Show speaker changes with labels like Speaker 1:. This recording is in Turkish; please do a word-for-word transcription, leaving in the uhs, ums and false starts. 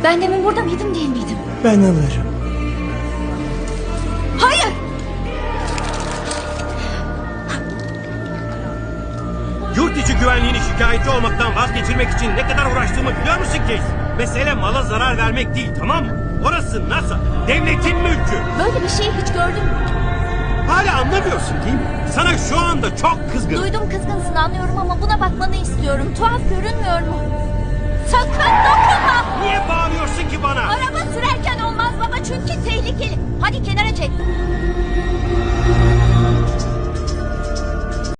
Speaker 1: Ben demin burada mıydım değil miydim?
Speaker 2: Ben alırım.
Speaker 1: Hayır!
Speaker 3: Yurt içi güvenliğini şikayetçi olmaktan vazgeçirmek için ne kadar uğraştığımı biliyor musun Case? Mesele mala zarar vermek değil, tamam mı? Orası NASA, devletin mülkü.
Speaker 1: Böyle bir şeyi hiç gördün mü?
Speaker 3: Hala anlamıyorsun değil mi? Sana şu anda çok kızgın.
Speaker 1: Duydum kızgınsın anlıyorum ama buna bakmanı istiyorum. Tuhaf görünmüyor mu? Sakın dokunma!
Speaker 3: Niye bağırıyorsun ki bana?
Speaker 1: Araba sürerken olmaz baba çünkü tehlikeli. Hadi kenara çek.